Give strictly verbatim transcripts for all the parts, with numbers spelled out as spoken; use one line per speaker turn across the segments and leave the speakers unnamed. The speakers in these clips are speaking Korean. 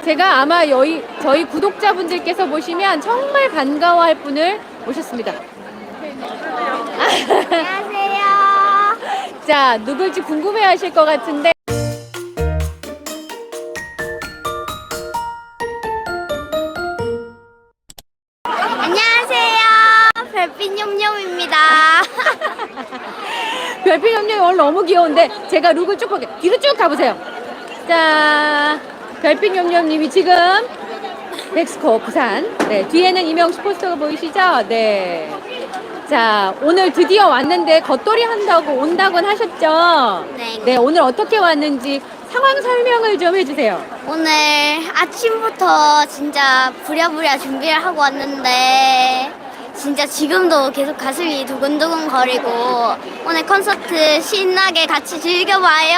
제가 아마 여기 저희 구독자분들께서 보시면 정말 반가워할 분을 모셨습니다.
안녕하세요.
자, 누굴지 궁금해하실 것 같은데.
안녕하세요. 별빛 념념입니다.
별빛 염룡이 오늘 너무 귀여운데 제가 룩을 쭉 볼게요. 뒤로 쭉 가보세요. 자, 별빛 염룡님이 지금 멕시코 부산. 네, 뒤에는 이명식 포스터가 보이시죠? 네. 자, 오늘 드디어 왔는데 겉돌이 한다고 온다곤 하셨죠?
네.
네, 오늘 어떻게 왔는지 상황 설명을 좀 해주세요.
오늘 아침부터 진짜 부랴부랴 준비를 하고 왔는데 진짜 지금도 계속 가슴이 두근두근 거리고 오늘 콘서트 신나게 같이 즐겨봐요.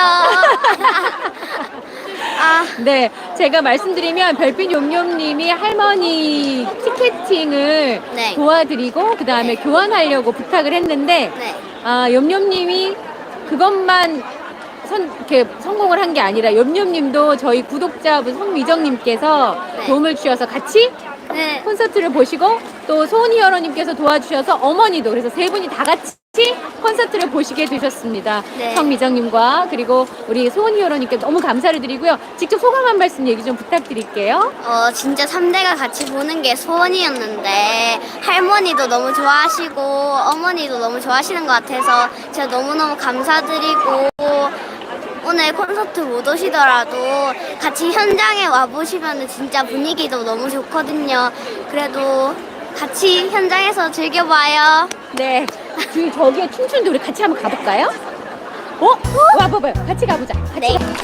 아,
네, 제가 말씀드리면 별빛 용용님이 할머니 티켓팅을
네.
도와드리고 그 다음에
네.
교환하려고 부탁을 했는데
네.
아, 염염님이 그것만 선, 이렇게 성공을 한 게 아니라 염염님도 저희 구독자분 송미정님께서
네.
도움을 주셔서 같이
네.
콘서트를 보시고 또 소은이 여러님께서 도와주셔서 어머니도 그래서 세 분이 다 같이 콘서트를 보시게 되셨습니다.
네.
성미정님과 그리고 우리 소은이 여러님께 너무 감사를 드리고요. 직접 소감 한 말씀 얘기 좀 부탁드릴게요.
어, 진짜 삼 대가 같이 보는 게 소원이었는데 할머니도 너무 좋아하시고 어머니도 너무 좋아하시는 것 같아서 제가 너무너무 감사드리고 오늘 콘서트 못 오시더라도 같이 현장에 와보시면 진짜 분위기도 너무 좋거든요. 그래도 같이 현장에서 즐겨봐요.
네. 그 저기에 춤추는데 우리 같이 한번 가볼까요? 어? 와봐봐요. 같이 가보자. 같이
네.
가.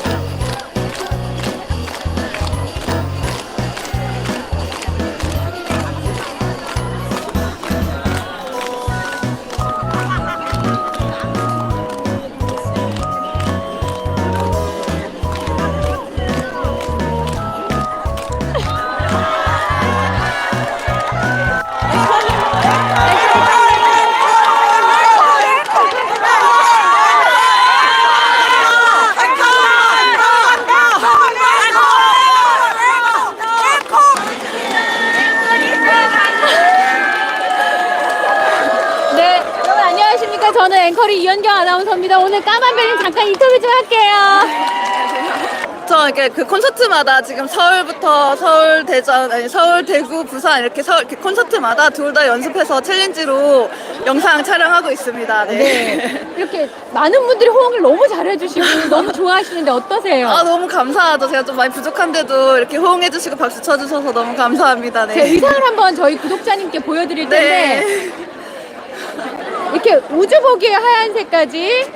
네, 여러분 안녕하십니까? 저는 앵커리 이현경 아나운서입니다. 오늘 까만별님 잠깐 인터뷰 좀 할게요.
저 이렇게 그 콘서트마다 지금 서울부터 서울, 대전, 아니 서울, 대구, 부산 이렇게 서울 이렇게 콘서트마다 둘 다 연습해서 챌린지로 영상 촬영하고 있습니다. 네.
네, 이렇게 많은 분들이 호응을 너무 잘해주시고 너무 좋아하시는데 어떠세요?
아 너무 감사하죠. 제가 좀 많이 부족한데도 이렇게 호응해주시고 박수 쳐주셔서 너무 감사합니다.
제
네.
의상을 한번 저희 구독자님께 보여드릴 텐데
네.
이렇게 우주복의 하얀색까지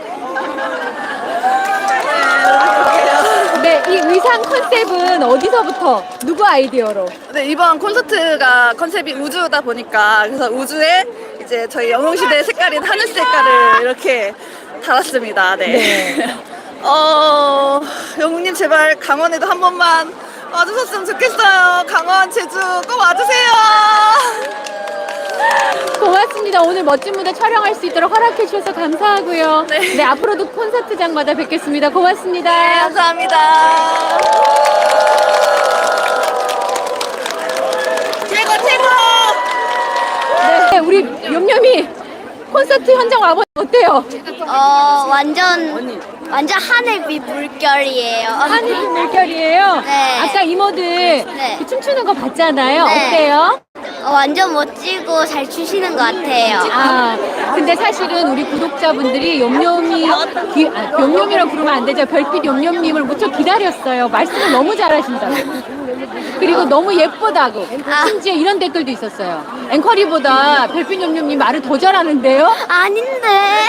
네, 이 의상 컨셉은 어디서부터 누구 아이디어로?
네, 이번 콘서트가 컨셉이 우주다 보니까 그래서 우주에 이제 저희 영웅시대의 색깔인 하늘 색깔을 이렇게 달았습니다. 네.
네.
어, 영웅님 제발 강원에도 한 번만 와주셨으면 좋겠어요. 강원, 제주 꼭 와주세요.
고맙습니다. 오늘 멋진 무대 촬영할 수 있도록 허락해 주셔서 감사하고요.
네.
네, 앞으로도 콘서트장마다 뵙겠습니다. 고맙습니다.
네, 감사합니다. 최고, 최고!
네, 우리 염염이 콘서트 현장 와보니 어때요?
어, 완전 완전 하늘빛 물결이에요.
하늘빛 물결이에요.
네.
아까 이모들
네.
그 춤추는 거 봤잖아요.
네.
어때요?
어, 완전 멋지고 잘 추시는 것 같아요.
아, 근데 사실은 우리 구독자분들이 염염이, 기, 아, 염염이라고 부르면 안 되죠. 별빛 염염님을 무척 기다렸어요. 말씀을 너무 잘하신다고. 그리고 너무 예쁘다고.
아.
심지어 이런 댓글도 있었어요. 앵커리보다 별빛 염염님 말을 더 잘하는데요?
아닌데.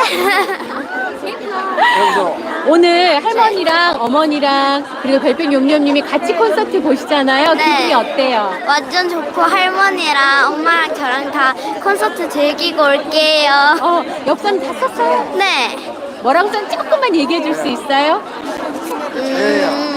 오늘 할머니랑 어머니랑 그리고 별빛 염염님이 같이 콘서트 보시잖아요.
네.
기분이 어때요?
완전 좋고 할머니랑 엄마랑 저랑 다 콘서트 즐기고 올게요.
어, 엽선 다 썼어요?
네.
뭐라고 썼는지 조금만 얘기해 줄 수 있어요?
음,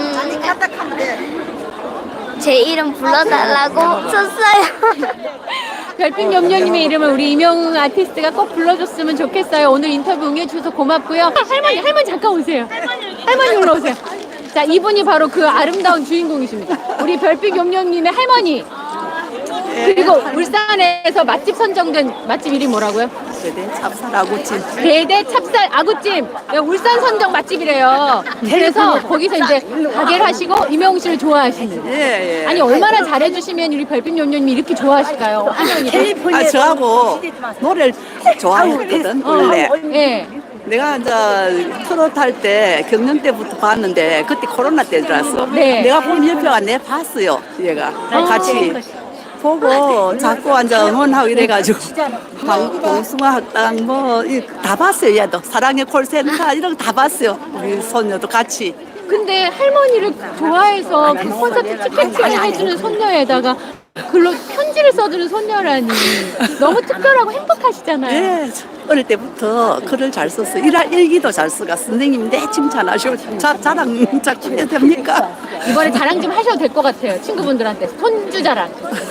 제 이름 불러달라고 썼어요.
별빛 염려님의 이름을 우리 이명웅 아티스트가 꼭 불러줬으면 좋겠어요. 오늘 인터뷰 응해주셔서 고맙고요. 할머니, 할머니 잠깐 오세요. 할머니 올라오세요. 자, 이분이 바로 그 아름다운 주인공이십니다. 우리 별빛 용룡님의 할머니. 그리고 울산에서 맛집 선정된 맛집 이름이 뭐라고요?
대대 찹쌀 아구찜.
대대 찹쌀 아구찜. 네, 울산 선정 맛집이래요. 그래서 거기서 이제 가게를 하시고 이명웅 씨를 좋아하시는.
예, 예.
아니 얼마나 잘해주시면 우리 별빛 용룡님이 이렇게 좋아하실까요? 할머니를.
아, 저하고 노래를 좋아했거든, 원래.
예.
내가 이제 트로트 할 때 경연 때부터 봤는데 그때 코로나 때라서
네.
내가 보면 옆에가 내 봤어요, 얘가 같이 보고 자꾸 앉아 응원하고 이래가지고 방- 봉숭아 학당 뭐 다 봤어요. 얘도 사랑의 콜센터 이런 거 다 봤어요. 우리 손녀도 같이.
근데 할머니를 좋아해서 그 콘서트 티켓팅을 해주는 손녀에다가 글로 편지를 써주는 손녀라니 너무 특별하고 행복하시잖아요.
예, 어릴 때부터 글을 잘 썼어요. 일, 일기도 잘 써가 선생님이 내 칭찬하시고 자, 자랑 자꾸 해도 됩니까?
이번에 자랑 좀 하셔도 될 것 같아요. 친구분들한테 손주 자랑.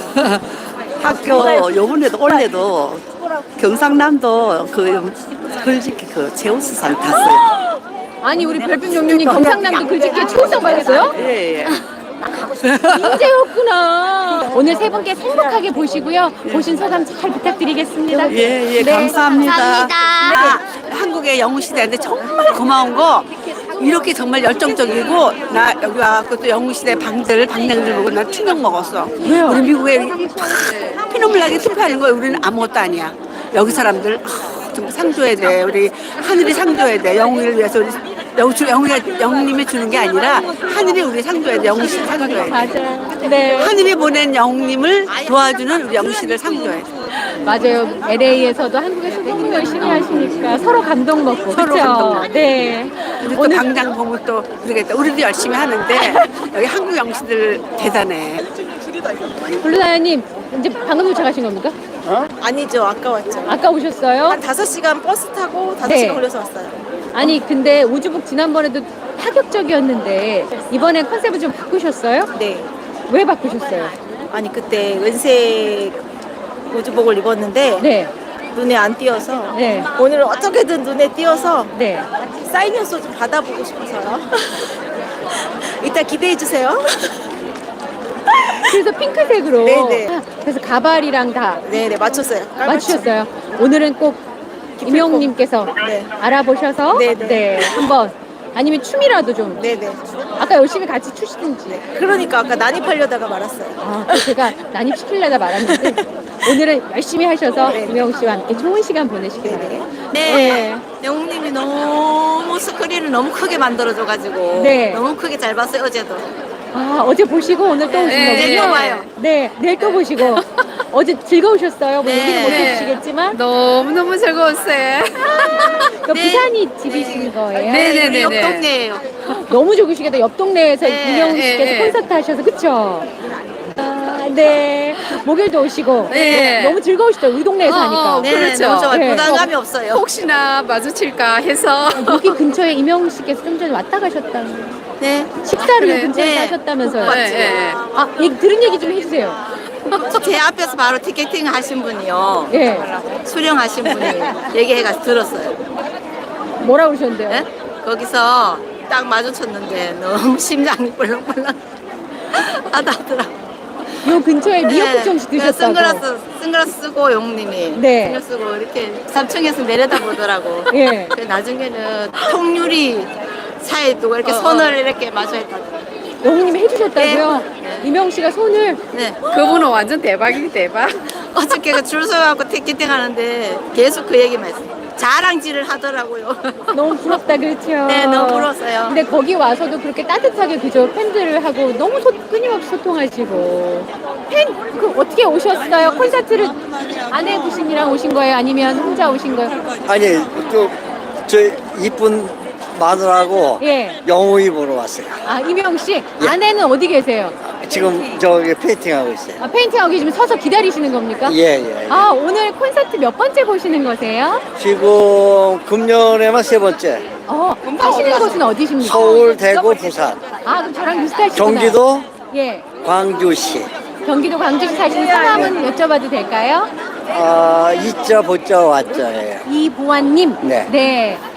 학교 요번에도 올해도 경상남도 그 글짓기 그 제우스상 탔어요.
아니 우리 별빛 용룡님 경상남도 글짓기에 초우상 받았어요?
예, 예.
인재였구나. 오늘 세 분께 행복하게 보시고요. 보신 소감 잘 부탁드리겠습니다.
예, 예,
네.
감사합니다.
감사합니다.
한국의 영웅 시대인데 정말 고마운 거 이렇게 정말 열정적이고 나 여기 와갖고 또 영웅 시대 방들 방랑들 보고 나 충격 먹었어.
왜요?
우리 미국에 팍 피눈물 나게 투표하는 거야. 우리는 아무것도 아니야. 여기 사람들 아, 정말 상 줘야 돼. 우리 하늘이 상 줘야 돼. 영웅을 위해서 우리 영웅 영웅이 영웅님이 주는 게 아니라 하늘이 우리 상 줘야 돼. 영웅 씨상 줘야 돼.
맞아요. 네.
하늘이 보낸 영웅님을 도와주는 우리 영웅 씨를 상 줘야 돼.
맞아요. 엘에이에서도 한국에서 너무 열심히 하시니까 서로 감동 먹고.
서로
그쵸?
감동 먹고.
네.
우리 또 당장 보면 또 모르겠다. 우리도 열심히 하는데 여기 한국 영웅씨들 대단해.
블루다이아님 이제 방금 도착하신 겁니까?
아니죠. 아까 왔죠.
아까 오셨어요?
한 다섯 시간 버스 타고 다섯
네.
시간 걸려서 왔어요.
아니 근데 우주북 지난번에도 파격적이었는데 이번에 컨셉을 좀 바꾸셨어요?
네.
왜 바꾸셨어요?
아니 그때 왼색 우주복을 입었는데
네.
눈에 안 띄어서
네.
오늘은 어떻게든 눈에 띄어서
네.
사인 연수 좀 받아보고 싶어서요. 이따 기대해 주세요.
그래서 핑크색으로.
네네.
아, 그래서 가발이랑 다
네네 맞췄어요. 깔맞춤.
맞추셨어요. 오늘은 꼭 임영웅님께서
네.
알아보셔서
네네.
네, 한번 아니면 춤이라도 좀
네네.
아까 열심히 같이 추시든지.
그러니까 아까 난입하려다가 말았어요.
아, 또 제가 난입시키려다 말았는데 오늘은 열심히 하셔서
네.
임영웅 씨와 함께 좋은 시간 보내시길
네네.
바래요.
네.
네.
영웅님이 너무 스크린을 너무 크게 만들어줘가지고
네.
너무 크게 잘 봤어요 어제도.
아, 어제 보시고 오늘 또 오신
네,
거군요.
내일 또 봐요.
네, 내일 또 보시고. 어제 즐거우셨어요? 뭐
네.
얘기는 못 해주시겠지만.
너무너무 즐거웠어요.
그 부산이 집이신 거예요?
네네네네.
옆 동네예요.
너무 좋으시겠다. 옆 동네에서
네,
임영웅 씨께서
네, 네.
콘서트 하셔서 그쵸? 아, 네. 목요일도 오시고.
네.
너무 즐거우시죠? 우리 동네에서
어,
하니까.
어,
네,
그렇죠.
너무 좋아요.
네.
부담감이 없어요.
혹시나 마주칠까 해서.
여기 근처에 임영웅 씨께서 좀 전에 왔다 가셨다는.
네.
식사를
그래.
요 근처에서
네.
하셨다면서요?
네, 네.
아, 얘기, 들은 얘기 좀 해주세요.
제 앞에서 바로 티켓팅 하신 분이요.
예.
수령하신 분이 얘기해가 들었어요.
뭐라 그러셨는데요?
네? 거기서 딱 마주쳤는데 너무 심장이 벌렁벌렁 하다더라.
요 근처에 미역국 정식 드셨다고.
선글라스 선글라스 쓰고 영웅님이
네.
선글라스 쓰고 이렇게 삼 층에서 내려다 보더라고.
예.
그 나중에는 통유리 사이에 두고 이렇게
어,
손을
어.
이렇게 마주했다.
영웅님이 해주셨다고요?
네.
임영웅 씨가 손을.
네.
그분은 완전 대박이 대박.
어저께 그 줄 서갖고 티켓팅 하는데 계속 그 얘기만 했어요. 자랑질을 하더라고요.
너무 부럽다, 그렇죠?
네, 너무 부러웠어요.
근데 거기 와서도 그렇게 따뜻하게 그저 팬들하고 너무 소, 끊임없이 소통하시고. 팬, 그 어떻게 오셨어요? 콘서트를 아내 부신이랑 오신 거예요? 아니면 혼자 오신 거예요?
아니, 또, 저, 이쁜 마누라하고
예.
영웅이 보러 왔어요.
아, 임영웅 씨, 아내는 어디 계세요?
지금 저기 페인팅하고 있어요.
아, 페인팅하고 계시면 서서 기다리시는 겁니까?
예, 예.
아, 오늘 콘서트 몇 번째 보시는 거세요?
지금 금년에만 세 번째.
어, 사시는 곳은 어디십니까?
서울, 대구, 부산,
아, 그럼 저랑 비슷하시구나.
경기도,
예.
광주시.
경기도 광주시 사시는 성함은 여쭤봐도 될까요?
아, 이자, 보자, 왔자예요.
이보안님.
네.
네.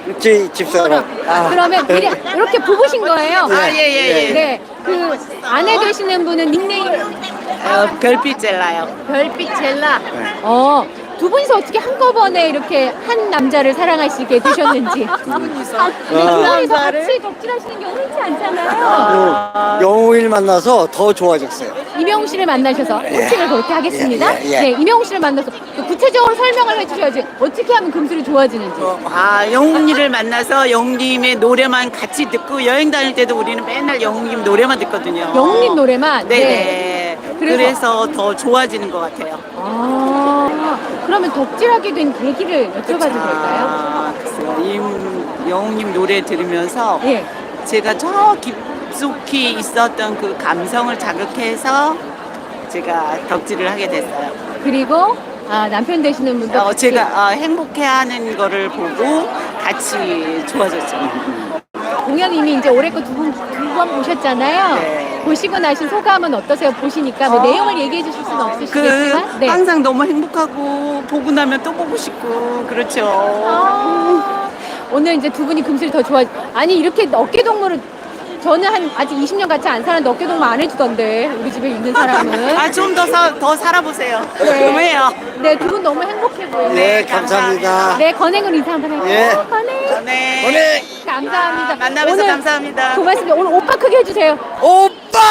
집, 집사람. 아.
그러면 미리 이렇게 부부신 거예요?
아, 예, 예, 예.
네. 그 아내 되시는 분은 닉네임
어, 별빛 젤라요.
별빛 젤라.
네.
어, 두 분이서 어떻게 한꺼번에 이렇게 한 남자를 사랑하시게 되셨는지. 두 분이서. 아, 두 분이서 같이 덕질하시는 게 흔치 않잖아요.
그 영웅을 만나서 더 좋아졌어요.
이명웅 씨를 만나셔서 코칭을 그렇게 하겠습니다.
예, 예, 예.
네, 이명웅 씨를 만나서 그 구체적으로 설명을 해주셔야지. 어떻게 하면 금술이 좋아지는지.
아, 영웅님을 만나서 영웅님의 노래만 같이 듣고 여행 다닐 때도 우리는 맨날 영웅님 노래만 듣거든요.
영웅님 노래만.
네.
그래서-
그래서, 더 좋아지는 것 같아요.
아, 그러면 덕질하게 된 계기를 여쭤봐도 될까요?
아, 글쎄요. 이 영웅님 노래 들으면서
예.
제가 저 깊숙이 있었던 그 감성을 자극해서 제가 덕질을 하게 됐어요.
그리고 아, 남편 되시는 분도
어,
같이
제가 어, 행복해하는 거를 보고 같이 좋아졌죠.
공연 이미 이제 올해 거 두 번 두 번 보셨잖아요.
네.
보시고 나신 소감은 어떠세요? 보시니까 뭐
어.
내용을 얘기해 주실 수는
그
없으시겠지만, 네.
항상 너무 행복하고 보고 나면 또 보고 싶고 그렇죠.
아, 오늘 이제 두 분이 금슬이 더 좋아. 아니 이렇게 어깨 동무를 저는 한 아직 이십 년 같이 안 사는데 어깨 동무 안 해주던데 우리 집에 있는 사람은.
아, 좀 더 더 살아보세요.
네.
그럼해요.
네, 두 분 너무 행복해 보여요.
네, 감사합니다.
네, 건행으로 인사 한번 할게요.
예.
건행.
네.
오늘
감사합니다.
만나면서
오늘
감사합니다.
고맙습니다. 오늘 오빠 크게 해주세요.
오빠!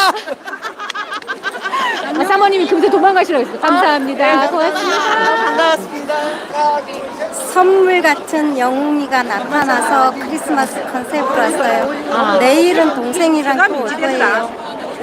아, 사모님이 금세 도망가시라고 했어요. 감사합니다. 고맙습니다.
반갑습니다.
선물 같은 영웅이가 나타나서 크리스마스 컨셉으로 왔어요.
아.
내일은 동생이랑 또 올 거예요.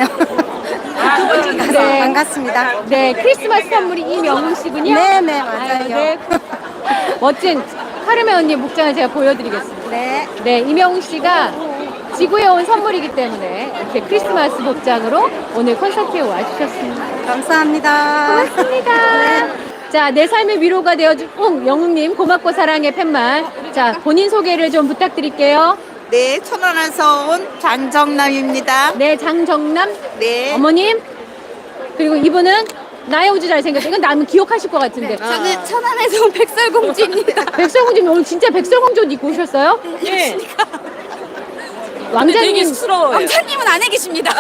네.
반갑습니다.
네, 크리스마스 선물이 이명웅 씨군요.
네, 네,
아유,
맞아요.
네. 멋진 카르메 언니의 목장을 제가 보여드리겠습니다.
네.
네, 이명웅 씨가 지구에 온 선물이기 때문에 이렇게 크리스마스 복장으로 오늘 콘서트에 와주셨습니다.
감사합니다.
고맙습니다. 자, 내 삶의 위로가 되어준 응, 영웅님 고맙고 사랑의 팻말. 자, 본인 소개를 좀 부탁드릴게요.
네, 천안에서 온 장정남입니다.
네, 장정남
네.
어머님. 그리고 이분은 나의 우주 잘생겼어. 이건 나는 기억하실 것 같은데.
저는 천안에서 온 백설공주입니다.
백설공주님 오늘 진짜 백설공주 옷 입고 오셨어요?
네.
왕자님,
쑥스러워요.
왕자님은 안에 계십니다.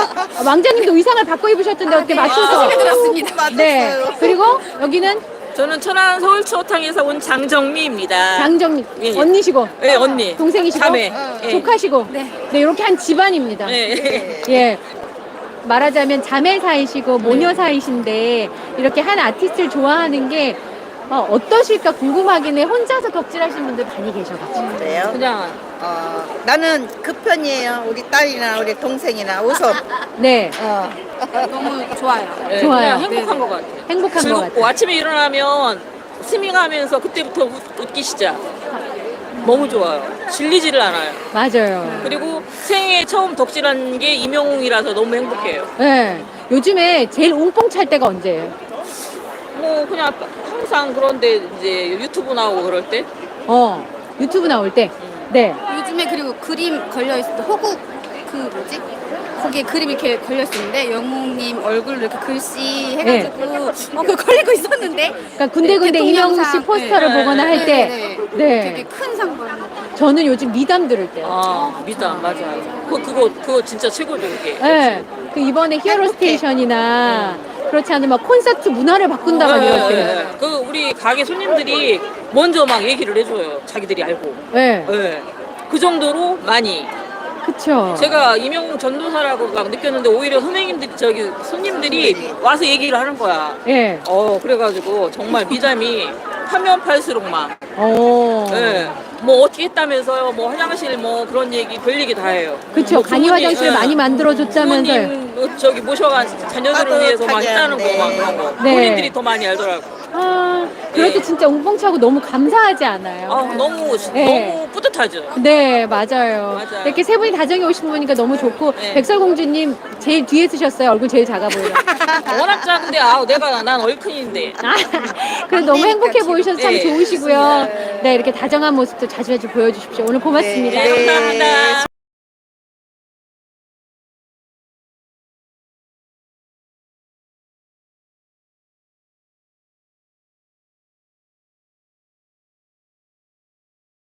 왕자님도 의상을 바꿔 입으셨던데 어떻게 맞춰서?
마음에 들었습니다.
네. 그리고 여기는
저는 천안 서울 추어탕에서 온 장정미입니다.
장정님
예.
언니시고,
네, 언니.
동생이시고,
자매. 예.
조카시고, 네, 이렇게 한 집안입니다.
네.
예. 말하자면 자매 사이시고 모녀 사이신데 이렇게 한 아티스트를 좋아하는 게 어, 어떠실까 궁금하긴 해. 혼자서 덕질하시는 분들 많이 계셔가지고.
그래요?
그냥
어, 나는 그 편이에요. 우리 딸이나 우리 동생이나 웃어.
네,
어.
너무 좋아요.
네,
좋아요.
그냥 행복한 것 같아요.
행복한 것
즐겁고
같아요.
아침에 일어나면 스밍하면서 그때부터 웃, 웃기 시작. 너무 좋아요. 질리지를 않아요.
맞아요.
그리고 생애 처음 덕질한 게 이명웅이라서 너무 행복해요.
네. 요즘에 제일 웅뽕 찰 때가 언제예요?
뭐 그냥 항상 그런데 이제 유튜브 나오고 그럴 때
어, 유튜브 나올 때. 네.
요즘에 그리고 그림 걸려 있을 때 호국 그 뭐지? 거기에 그림 이렇게 걸려 있었는데 영웅님 얼굴 이렇게 글씨 해가지고 어 그거 걸리고 있었는데.
그러니까 군데군데
네,
이명웅 씨
대통령상.
포스터를
네,
보거나 할 때.
네, 네.
네.
되게 큰 상 받는.
저는 요즘 미담 들을 때요.
아 미담 맞아요. 그 그거 그거 진짜 최고죠 그게.
네. 그 이번에 히어로 스테이션이나 그렇지 않으면 막 콘서트 문화를 바꾼다 막
네,
이럴
네,
때.
네. 그 우리 가게 손님들이 먼저 막 얘기를 해줘요. 자기들이 알고.
네.
네. 그 정도로 많이.
그쵸.
제가 이명웅 전도사라고 막 느꼈는데 오히려 선생님들 저기 손님들이 와서 얘기를 하는 거야.
예.
어 그래가지고 정말 미담이 파면 팔수록 막.
어.
예. 뭐 어떻게 했다면서요. 뭐 화장실 뭐 그런 얘기 별 얘기 다 해요.
그쵸.
뭐
간이
부모님,
화장실을
예.
많이 만들어줬다면서요.
부모님 뭐 저기 모셔간 자녀들을 위해서 막 했다는 거 막 그런 거.
네.
본인들이 더 많이 알더라고.
아, 그럴 때
예.
진짜 웅뽕차고 너무 감사하지 않아요?
아 너무
네.
너무 뿌듯하죠.
네, 맞아요.
맞아요.
이렇게 세 분이 다정히 오신 분이니까 너무 좋고,
네.
백설공주님 제일 뒤에 쓰셨어요. 얼굴 제일 작아 보여요.
워낙 작은데 아 내가 난 얼큰인데.
아, 그래도 너무 행복해 보이셔서 참
네,
좋으시고요. 네, 이렇게 다정한 모습도 자주 자주 보여주십시오. 오늘 고맙습니다.
네, 감사합니다.